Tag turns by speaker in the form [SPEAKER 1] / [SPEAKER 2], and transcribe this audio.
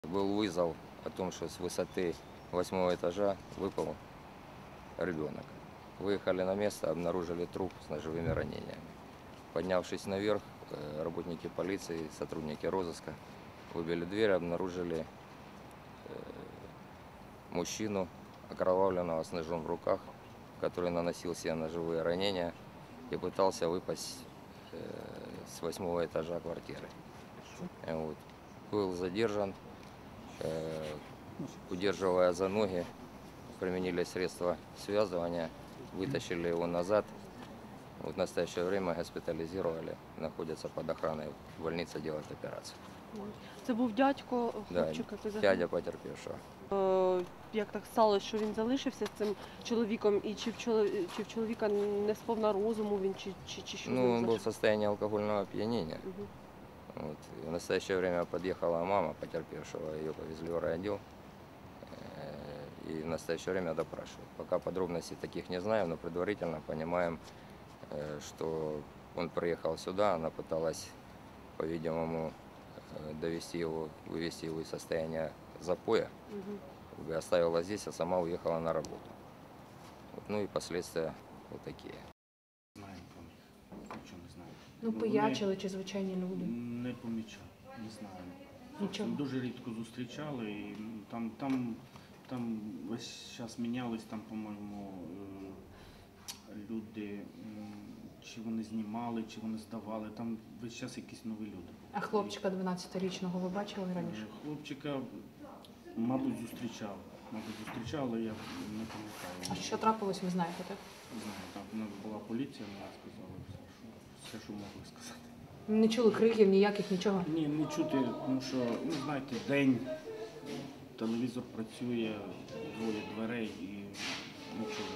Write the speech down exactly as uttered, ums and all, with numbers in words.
[SPEAKER 1] Был вызов о том, что с высоты восьмого этажа выпал ребенок. Выехали на место, обнаружили труп с ножевыми ранениями. Поднявшись наверх, работники полиции, сотрудники розыска выбили дверь, обнаружили мужчину, окровавленного с ножом в руках, который наносил себе ножевые ранения и пытался выпасть с восьмого этажа квартиры. Вот. Был задержан, удерживая за ноги, применили средства связывания, вытащили его назад. Вот в настоящее время госпитализировали, находятся под охраной в больнице, делают операцию.
[SPEAKER 2] Це був дядько
[SPEAKER 1] Да,
[SPEAKER 2] хлопчика, який загинув?
[SPEAKER 1] дядя потерпевшего.
[SPEAKER 2] Е, Як так сталося, що він залишився з цим чоловіком, і чи в, чолові... чи в чоловіка не сповна розуму він, чи, чи, чи що? з
[SPEAKER 1] Ну,
[SPEAKER 2] ним
[SPEAKER 1] он был в
[SPEAKER 2] за-
[SPEAKER 1] состоянии алкогольного опьянения.
[SPEAKER 2] Мгм.
[SPEAKER 1] Вот. И в настоящее время подъехала мама потерпевшего, ее повезли в райотдел. Э, И в настоящее время допрашивают. Пока подробностей таких не знаем, но предварительно понимаем, э, что он приехал сюда, она пыталась, по-видимому, э, довести его, вывести его из состояния запоя,
[SPEAKER 2] Мгм.
[SPEAKER 1] как бы оставила здесь, а сама уехала на работу. Вот. Ну и последствия вот такие.
[SPEAKER 3] Знаю про них, нічого не знаю.
[SPEAKER 4] Ну,
[SPEAKER 3] вони
[SPEAKER 4] пиячили чи звичайні люди?
[SPEAKER 3] Не помічав, не знаю.
[SPEAKER 4] Нічого.
[SPEAKER 3] Дуже рідко зустрічали, і там, там, там весь час мінялись, там, по-моєму, е, люди, м, чи вони знімали, чи вони здавали, там весь час якісь нові люди були.
[SPEAKER 4] А хлопчика дванадцятирічного ви бачили раніше?
[SPEAKER 3] Е, Хлопчика, мабуть, зустрічав. Мабуть, зустрічав, але я не пам'ятаю.
[SPEAKER 4] А що трапилось, ви знаєте, так?
[SPEAKER 3] Не знаю, там у нас була поліція, вона сказала все, що, все, що могли сказати.
[SPEAKER 4] Не чули криків ніяких, нічого?
[SPEAKER 3] Ні, не чути, тому що, ну, знаєте, день, телевізор працює, двоє дверей і нічого.